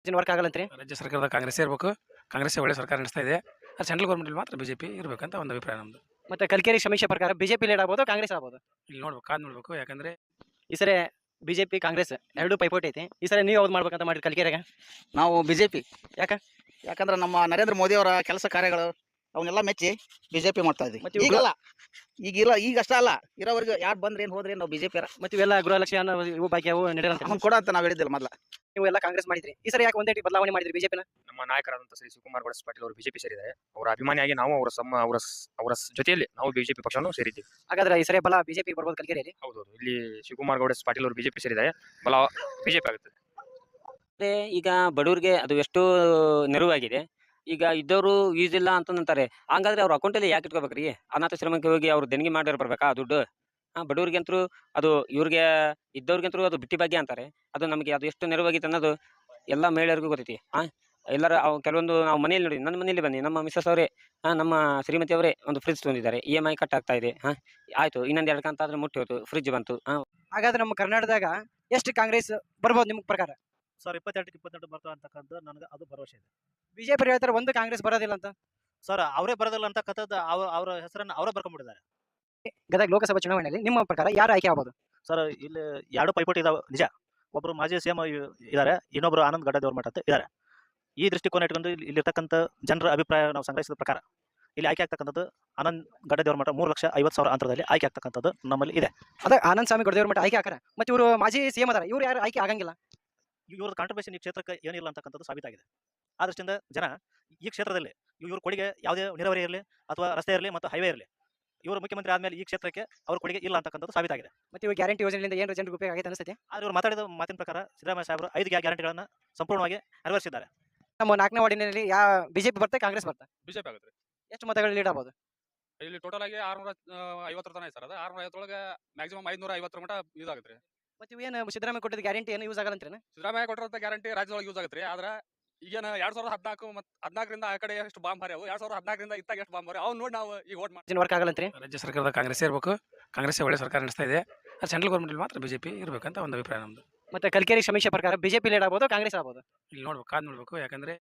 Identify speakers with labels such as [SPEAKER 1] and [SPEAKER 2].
[SPEAKER 1] ಏನು ವರ್ಕ್ ಆಗಲ್ಲಂತ್ರಿ?
[SPEAKER 2] ರಾಜ್ಯ ಸರ್ಕಾರದ ಕಾಂಗ್ರೆಸ್ಸೇ ಇರಬೇಕು. ಕಾಂಗ್ರೆಸ್ಸೇ ಒಳ್ಳೆ ಸರ್ಕಾರ ನಡೆಸ್ತಾ ಇದೆ. ಸೆಂಟ್ರಲ್ ಗೌರ್ಮೆಂಟಲ್ಲಿ ಮಾತ್ರ ಬಿಜೆಪಿ ಇರಬೇಕಂತ ಒಂದು ಅಭಿಪ್ರಾಯ ನಮ್ಮದು.
[SPEAKER 1] ಮತ್ತೆ ಕಲ್ಕೇರಿ ಸಮೀಕ್ಷೆ ಪ್ರಕಾರ ಬಿಜೆಪಿ ಲೀಡ್ ಆಗ್ಬೋದು, ಕಾಂಗ್ರೆಸ್ ಆಗ್ಬೋದು.
[SPEAKER 2] ಇಲ್ಲಿ ನೋಡ್ಬೇಕು, ಕಾದು ನೋಡಬೇಕು. ಯಾಕಂದರೆ
[SPEAKER 1] ಈ ಸರಿ ಬಿಜೆಪಿ ಕಾಂಗ್ರೆಸ್ ಎರಡೂ ಪೈಪೋಟಿ ಐತಿ. ಈ ಸರಿ ನೀವು ಯಾವ್ದು ಮಾಡ್ಬೇಕಂತ ಮಾಡಿರಿ ಕಲ್ಕೇರಿಯಾಗ?
[SPEAKER 3] ನಾವು ಬಿಜೆಪಿ.
[SPEAKER 1] ಯಾಕ?
[SPEAKER 3] ಯಾಕಂದ್ರೆ ನಮ್ಮ ನರೇಂದ್ರ ಮೋದಿ ಅವರ ಕೆಲಸ ಕಾರ್ಯಗಳು ಅವನ್ನೆಲ್ಲ ಮೆಚ್ಚಿ ಬಿಜೆಪಿ ಮಾಡ್ತಾ ಇದ್ವಿ.
[SPEAKER 1] ಮತ್ತೆ ಇವು
[SPEAKER 3] ಈಗಲ್ಲ, ಈಗ ಅಷ್ಟ ಅಲ್ಲ, ಇರೋವರೆಗೂ ಯಾರು ಬಂದ್ರೆ ಏನು ಹೋದ್ರೆ ನಾವು ಬಿಜೆಪಿ
[SPEAKER 1] ಮತ್ತೆ ಇವೆಲ್ಲ ಗೃಹಲಕ್ಷ್ಮಿ ಅನ್ನೋ ಇವು ಬಾಕಿ ಅವು ನಡೆಯಲ್ಲ.
[SPEAKER 3] ಅವ್ನು ಕೊಡ ಅಂತ ನಾವು ಹೇಳಿದ್ದಿಲ್ಲ ಮೊದಲ.
[SPEAKER 1] ನೀವು ಎಲ್ಲ ಕಾಂಗ್ರೆಸ್ ಮಾಡಿದ್ರಿ. ಈ ಸರಿ ಯಾಕೆ ಒಂದೇ ಬದಲಾವಣೆ ಮಾಡಿದ್ರಿ ಬಿಜೆಪಿನ?
[SPEAKER 4] ನಮ್ಮ ನಾಯಕರಾದಂಥ ಶ್ರೀ ಶಿವಕುಮಾರ್ ಗೌಡ ಪಾಟೀಲ್ ಅವರು ಬಿಜೆಪಿ ಸೇರಿದ್ದಾರೆ. ಅವರ ಅಭಿಮಾನಿಯಾಗಿ ನಾವು ಅವರ ಜೊತೆಯಲ್ಲಿ ನಾವು ಬಿಜೆಪಿ ಪಕ್ಷವನ್ನು ಸೇರಿದ್ದೀವಿ.
[SPEAKER 1] ಹಾಗಾದ್ರೆ ಈ ಸರಿ ಬಲ ಬಿಜೆಪಿ ಬರ್ಬೋದು ಕಲ್ಕೇರಿಯಲ್ಲಿ?
[SPEAKER 4] ಹೌದೌದು, ಇಲ್ಲಿ ಶಿವಕುಮಾರ್ ಗೌಡ ಪಾಟೀಲ್ ಅವರು ಬಿಜೆಪಿ ಸೇರಿದ್ದಾರೆ. ಬಲ ಬಿಜೆಪಿ ಆಗುತ್ತದೆ.
[SPEAKER 5] ಮತ್ತೆ ಈಗ ಬಡವರಿಗೆ ಅದು ಎಷ್ಟು ನೆರವಾಗಿದೆ. ಈಗ ಇದ್ದವರು ಯೂಸ್ ಇಲ್ಲ ಅಂತಂತಾರೆ. ಹಂಗಾದ್ರೆ ಅವ್ರ ಅಕೌಂಟಲ್ಲಿ ಯಾಕೆ ಇಟ್ಕೋಬೇಕ್ರಿ? ಅನಾಥಾಶ್ರಮಕ್ಕೆ ಹೋಗಿ ಅವ್ರು ದೇಣಿಗೆ ಮಾಡಿ ಬರ್ಬೇಕಾ ದುಡ್ಡು? ಬಡವರಿಗಂತರೂ ಅದು ಇವ್ರಿಗೆ ಇದ್ದವ್ರಿಗಂತರೂ ಅದು ಬಿಟ್ಟಿ ಭಾಗ್ಯ ಅಂತಾರೆ. ಅದು ನಮಗೆ ಅದು ಎಷ್ಟು ನೆರವಾಗಿದೆ ಅನ್ನೋದು ಎಲ್ಲ ಮಹಿಳೆಯರಿಗೂ ಗೊತ್ತೈತಿ. ಎಲ್ಲರ ಕೆಲವೊಂದು ನಾವು ಮನೆಯಲ್ಲಿ ನೋಡಿ, ನನ್ನ ಮನೆಯಲ್ಲಿ ಬನ್ನಿ, ನಮ್ಮ ಮಿಸಸ್ ಅವರೇ ನಮ್ಮ ಶ್ರೀಮತಿ ಅವರೇ ಒಂದು ಫ್ರಿಜ್ ತಂದಿದ್ದಾರೆ. EMI ಕಟ್ ಆಗ್ತಾ ಇದೆ. ಆಯ್ತು, ಇನ್ನೊಂದು 2 ಕಂತ ಆದ್ರೆ ಮುಟ್ಟಿ ಹೋಯ್ತು, ಫ್ರಿಜ್ ಬಂತು.
[SPEAKER 1] ಹಾಗಾದ್ರೆ ನಮ್ಮ ಕರ್ನಾಟಕದಾಗ ಎಷ್ಟು ಕಾಂಗ್ರೆಸ್ ಬರ್ಬೋದು ನಿಮ್ಮ ಪ್ರಕಾರ?
[SPEAKER 6] ಸರ್ 22 ಬರ್ತಾವೆ ಅಂತಕ್ಕಂಥ ನನಗೆ ಅದು ಭರವಸೆ ಇದೆ.
[SPEAKER 1] ಬಿಜೆಪಿ ಹೇಳ್ತಾರೆ ಒಂದು ಕಾಂಗ್ರೆಸ್ ಬರೋದಿಲ್ಲ ಅಂತ.
[SPEAKER 6] ಸರ್ ಅವರೇ ಬರೋದಿಲ್ಲ ಅಂತಕ್ಕಂಥದ್ದು ಅವರ ಹೆಸರನ್ನು ಅವರೇ ಬರ್ಕೊಂಡ್ಬಿಟ್ಟಿದ್ದಾರೆ.
[SPEAKER 1] ಗದಗ ಲೋಕಸಭಾ ಚುನಾವಣೆಯಲ್ಲಿ ನಿಮ್ಮ ಪ್ರಕಾರ ಯಾರು ಆಯ್ಕೆ ಆಗ್ಬೋದು?
[SPEAKER 6] ಸರ್ ಇಲ್ಲಿ 2 ಪೈಪೋಟಿ ಇದಾವೆ ನಿಜ. ಒಬ್ಬರು ಮಾಜಿ CM ಇದ್ದಾರೆ, ಇನ್ನೊಬ್ಬರು ಆನಂದ್ ಗಡ್ಡದೇವ್ರ ಮಠ ಅಂತ ಇದ್ದಾರೆ. ಈ ದೃಷ್ಟಿಕೋನ ಇಟ್ಕೊಂಡು ಇಲ್ಲಿರ್ತಕ್ಕಂಥ ಜನರ ಅಭಿಪ್ರಾಯ ನಾವು ಸಂಗ್ರಹಿಸಿದ ಪ್ರಕಾರ ಇಲ್ಲಿ ಆಯ್ಕೆ ಆಗ್ತಕ್ಕಂಥದ್ದು ಆನಂದ್ ಗಡ್ಡದೇವ್ರ ಮಠ 3,50,000 ಅಂತರದಲ್ಲಿ ಆಯ್ಕೆ ಆಗ್ತಕ್ಕಂಥದ್ದು ನಮ್ಮಲ್ಲಿ ಇದೆ.
[SPEAKER 1] ಅದ ಆನಂದ್ ಸ್ವಾಮಿ ಗೌಡದೇವ್ರ ಮಠ ಆಯ್ಕೆ ಹಾಕಾರ. ಮತ್ತೆ ಇವರು ಮಾಜಿ CM ಅದಾರ, ಇವ್ರು ಯಾರು ಆಯ್ಕೆ ಆಗಂಗಿಲ್ಲ.
[SPEAKER 6] ಇವ್ರ ಕಾಂಟ್ರಿಬ್ಯೂಷನ್ ಈ ಕ್ಷೇತ್ರಕ್ಕೆ ಏನಿಲ್ಲ ಅಂತಕ್ಕಂಥದ್ದು ಸಾಬೀತಾಗಿದೆ. ಆ ದೃಷ್ಟಿಯಿಂದ ಜನ ಈ ಕ್ಷೇತ್ರದಲ್ಲಿ ಇವ್ರ ಕೊಡುಗೆ ಯಾವುದೇ ನೀರಾವರಿ ಇರಲಿ ಅಥವಾ ರಸ್ತೆ ಇರಲಿ ಮತ್ತು ಹೈವೇ ಇರಲಿ, ಇವರು ಮುಖ್ಯಮಂತ್ರಿ ಆದಮೇಲೆ ಈ ಕ್ಷೇತ್ರಕ್ಕೆ ಅವ್ರ ಕೊಡುಗೆ ಇಲ್ಲ ಅಂತಕ್ಕಂಥದ್ದು ಸಾಬೀತಾಗಿದೆ.
[SPEAKER 1] ಮತ್ತೆ ಇವಾಗ ಗ್ಯಾರಂಟಿ ಯೋಜನೆಯಿಂದ ಏನು ಜನರಿಗೆ ಉಪಯೋಗ ಆಗೈತೆ ಅನಿಸುತ್ತೆ?
[SPEAKER 6] ಆದರೆ ಇವರು ಮಾತಾಡಿದ ಮಾತಿನ ಪ್ರಕಾರ ಸಿದ್ದರಾಮಯ್ಯ ಸಾಹೇಬರು 5 ಗ್ಯಾರಂಟಿಗಳನ್ನು ಸಂಪೂರ್ಣವಾಗಿ ನೆರವೇರಿಸಿದ್ದಾರೆ.
[SPEAKER 1] ನಮ್ಮ 4ನೇ ವಾರ್ಡಿನಲ್ಲಿ ಬಿಜೆಪಿ ಬರ್ತಾ ಕಾಂಗ್ರೆಸ್ ಬರ್ತಾ
[SPEAKER 7] ಬಿಜೆಪಿ ಆಗುತ್ತೆ.
[SPEAKER 1] ಎಷ್ಟು ಮತಗಳು ಲೀಡ್ ಆಗ್ಬೋದು?
[SPEAKER 7] ಇಲ್ಲಿ ಟೋಟಲ್ ಆಗಿ 650 ತನ ಐತೆ ಸರ್. ಅದು 650 ಒಳಗೆ ಮ್ಯಾಕ್ಸಿಮಮ್ 550 ಮಟ ಯೂಸ್ ಆಗುತ್ತೆ.
[SPEAKER 1] ಮತ್ತೆ ಇವೇನು ಸಿದ್ದರಾಮಯ್ಯ ಕೊಟ್ಟಿದ್ದ ಗ್ಯಾರಂಟಿ ಏನು ಯೂಸ್ ಆಗಲ್ಲ ಅಂತೀರೇನ?
[SPEAKER 7] ಸಿದ್ದರಾಮಯ್ಯ ಕೊಟ್ಟಿರೋ ಗ್ಯಾರಂಟಿ ರಾಜ್ಯದೊಳಗೆ ಯೂಸ್ ಆಗುತ್ತೆ. ಆದ್ರೆ ಈಗೇನು 2014 ಮತ್ತು 14ರಿಂದ ಆ ಕಡೆ ಎಷ್ಟು ಬಾಂಬ್ ಹಾರ್ಯಾವು, 2014ರಿಂದ ಇತ್ತಾಗ ಎಷ್ಟು ಬಾಂಬ್ ಹಾರ್ಯಾವು, ಅವ್ನು ನೋಡಿ ನಾವು ಈಗ ವೋಟ್ ಮಾಡಿ.
[SPEAKER 1] ವರ್ಕ್ ಆಗಲ್ಲಂತ್ರಿ?
[SPEAKER 2] ರಾಜ್ಯ ಸರ್ಕಾರದ ಕಾಂಗ್ರೆಸ್ಸೇ ಇರಬೇಕು. ಕಾಂಗ್ರೆಸ್ಸೇ ಒಳ್ಳೆ ಸರ್ಕಾರ ನಡೆಸ್ತಾ ಇದೆ. ಸೆಂಟ್ರಲ್ ಗೌರ್ಮೆಂಟಲ್ಲಿ ಮಾತ್ರ ಬಿಜೆಪಿ ಇರಬೇಕಂತ ಒಂದು ಅಭಿಪ್ರಾಯ ನಮ್ಮದು.
[SPEAKER 1] ಮತ್ತೆ ಕಲ್ಕೇರಿ ಸಮೀಕ್ಷೆ ಪ್ರಕಾರ ಬಿಜೆಪಿ ಲೀಡ್ ಆಗ್ಬೋದು, ಕಾಂಗ್ರೆಸ್ ಆಗ್ಬೋದು.
[SPEAKER 2] ಇಲ್ಲಿ ನೋಡ್ಬೇಕು, ಕಾದು ನೋಡಬೇಕು. ಯಾಕಂದರೆ